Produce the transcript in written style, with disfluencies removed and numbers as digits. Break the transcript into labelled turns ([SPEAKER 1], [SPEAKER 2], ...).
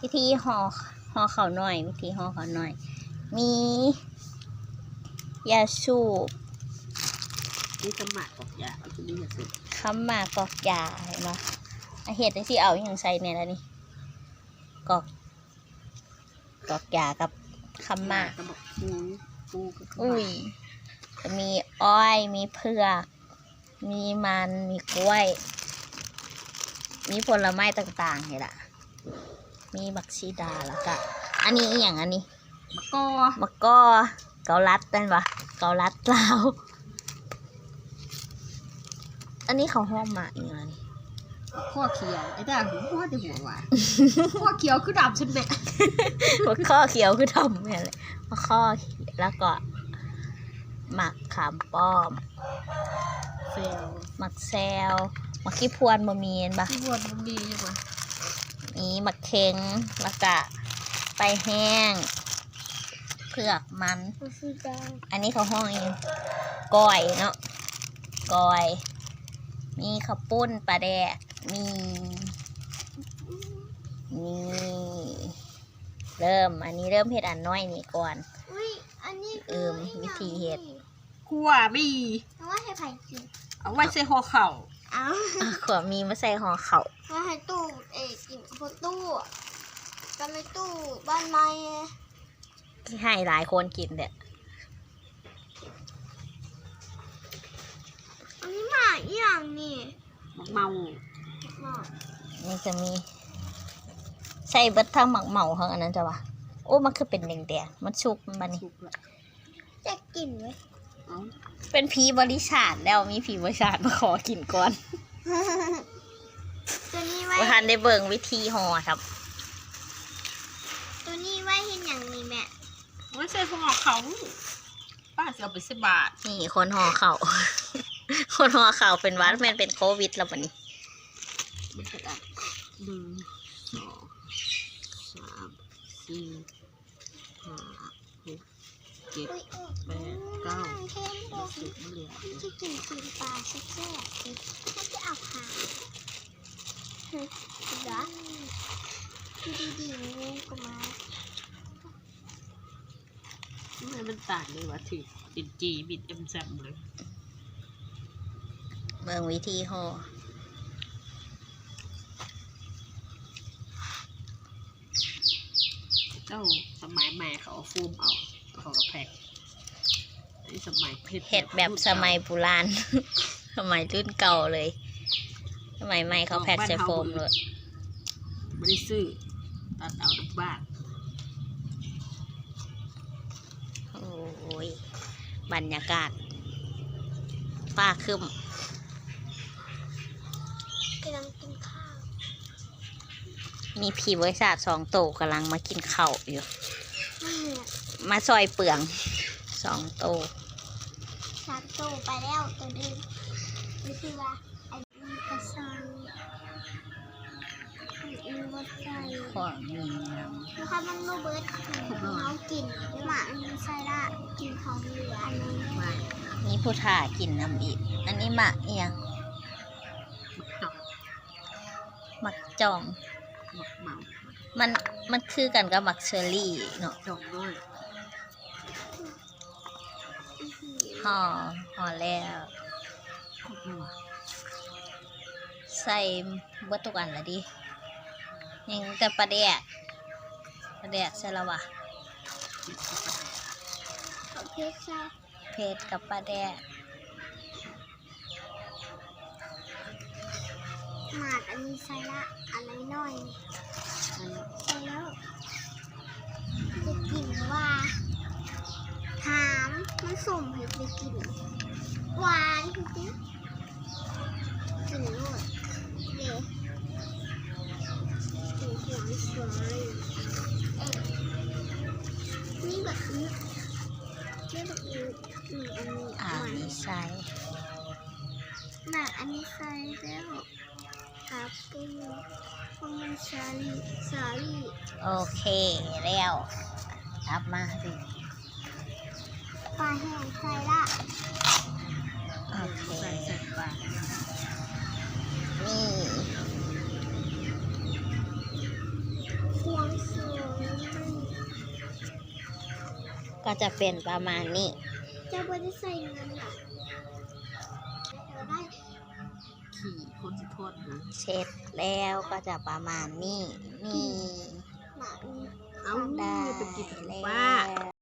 [SPEAKER 1] วิธีห่อเขาหน่อยวิธีห่อเขาหน่อยมียาสูบ
[SPEAKER 2] นี่สมัครกอกยาเอาตัวนี้ยาสูบ
[SPEAKER 1] คำหมากกอกยาเห็นไหมเห็ดที่เอาอย่างใส่เนี่ยแล้วนี่กอกยากับคำหมาก
[SPEAKER 2] กระบอกปูก็
[SPEAKER 1] อุ้ยจะมีอ้อยมีเผือกมีมันมีกล้วย มีผลไม้ต่างๆนี่แหละมีบักชีดาแล้วก็อันนี้อีกอย่างอันนี้
[SPEAKER 2] มะกอ
[SPEAKER 1] เกาลัดเป็นปะเกาลัดลาวอันนี้เขาห้องมาอีกแล้วนี่
[SPEAKER 2] ข้อเขียวไอ้ด่างหัวแต่หัวหวานข้อเขียวคือดำฉันแม่
[SPEAKER 1] ข้อเขียวคือทำเนี่ยเลยข้อแล้วก็หมักขามป้อม
[SPEAKER 2] เซล
[SPEAKER 1] หมักแซวหมักขี้พวนบะเมียนปะ
[SPEAKER 2] ขี้พวนมันมีอยู่ปะ
[SPEAKER 1] มีหมักเค็งแล้วก็ไปแห้งเผือกมันอันนี้เขาห้องเองก้อยเนาะก้อยมีข้าวปุ้นปลาแดกมีอันนี้เริ่มเห็ดอันน้อยนี่ก่อนวิธีเห็ด
[SPEAKER 2] ขั่วมี
[SPEAKER 3] เอาไว้ให้ไผ่กิน
[SPEAKER 2] เอาไว้ใส่ห่อเข่า
[SPEAKER 1] ขวมีมาใส่ห่อเข่า
[SPEAKER 3] ไว้ให้ตู้กินบนตู้กันในตู้บ้านไม้
[SPEAKER 1] ให้หลายคนกินเด็ด
[SPEAKER 3] อันนี้หมาอย่างนี่
[SPEAKER 2] เมา
[SPEAKER 1] นี่จะมีใส่เบิดทั้งหมักเมาทั้งอันนั้นจ้ะวะโอ้มันคือเป็นแดงๆมันชุกมันนี่
[SPEAKER 3] จะกินไหม
[SPEAKER 1] เป็นผีบริษัทแล้วมีผีบริษัทมาขอกินก่อน
[SPEAKER 3] ตัวนี้ไว้
[SPEAKER 1] ทันได้เบิ่งวิธีห่อครับ
[SPEAKER 3] ตัวนี้ไว้เห็นอย่างนี้แม่
[SPEAKER 2] ไม่ใช่ห่อเขาป้าจะเอาไป10 บาท
[SPEAKER 1] นี่คนห่อเข่าคนห่อเข่าเป็นวัดแมนเป็นโควิดแล้ววันนี้
[SPEAKER 2] 1 2 3 4 5 6 7 8 9 10เหลือ
[SPEAKER 3] จะกินปลาแซ่บๆถ้าจะเอาหาเหรอดีงูก็มา
[SPEAKER 2] มันต่างเลยว่ะถือติดจีบิดแซมเลย
[SPEAKER 1] เบิ่งวิธีห่อ
[SPEAKER 2] เจ้าสมัยใหม่เขาเอาฟูมเอาเขาแพ็คนี่สมัย
[SPEAKER 1] เห็ดแบบสมัยโบราณสมัยรุ่นเก่าเลยสมัยใหม่เขาแพ็คใส่โฟมเลย
[SPEAKER 2] ไม่ได้ซื้อตัดเอาทุกบ้าน
[SPEAKER 1] โอ้ยบรรยากาศฟ้าครึ้ม
[SPEAKER 3] กำลังกินข้าว
[SPEAKER 1] มีผีบริษัท2 โตกำลังมากินข้าวอยู่มาซอยเปลือง2 โต
[SPEAKER 3] 3 โตไปแล้วตัวนึงนี่คือว่าไอ้กระซอยวัดใจ
[SPEAKER 1] ของมี
[SPEAKER 3] นะคะมันโนเบิร์ตเขากินหมาอันนี้ใส่ละกินของเหลืออันนี้
[SPEAKER 1] มีผู้ถ่ากินน้ำอีกอันนี้หมักเอียงหมักจ่องมันคือกันกับหมักเชอร์รี่เนาะ
[SPEAKER 2] จ่องด้วย
[SPEAKER 1] ห่อแล้วใส่บัตตุกันละดิยังแต่ปลาแดกใช่แล้ววะเพชรกับปลาแดก
[SPEAKER 3] หมาดอันนี้ใส่ละอะไรหน่อยใส่แล้วจะกินว่าถามมันสุ่มให้ไปกินหวานจริงๆกินโลดเด็กกินหวานสวยนี่แบบนี้แบบนี้
[SPEAKER 1] อันนี้ใส่
[SPEAKER 3] หนักอันนี้ใส่แล้วครับปูมันสาลี่
[SPEAKER 1] โอเคแล้วอัพมาสิ
[SPEAKER 3] ปลาแห้งใส่ละ
[SPEAKER 1] โอเค
[SPEAKER 2] ใส่ปลา
[SPEAKER 1] นี่
[SPEAKER 3] ควง
[SPEAKER 1] ก็จะเป็นประมาณนี้
[SPEAKER 3] จะไม่ได้ใส่เงินอ่ะเราได้
[SPEAKER 2] ขี่คนสิโทษนะ
[SPEAKER 1] เช็ดแล้วก็จะประมาณนี้นี่
[SPEAKER 3] หมา
[SPEAKER 2] เอ้า
[SPEAKER 1] ได้
[SPEAKER 2] เป็นกิน
[SPEAKER 1] แล้
[SPEAKER 2] บ้า
[SPEAKER 1] ว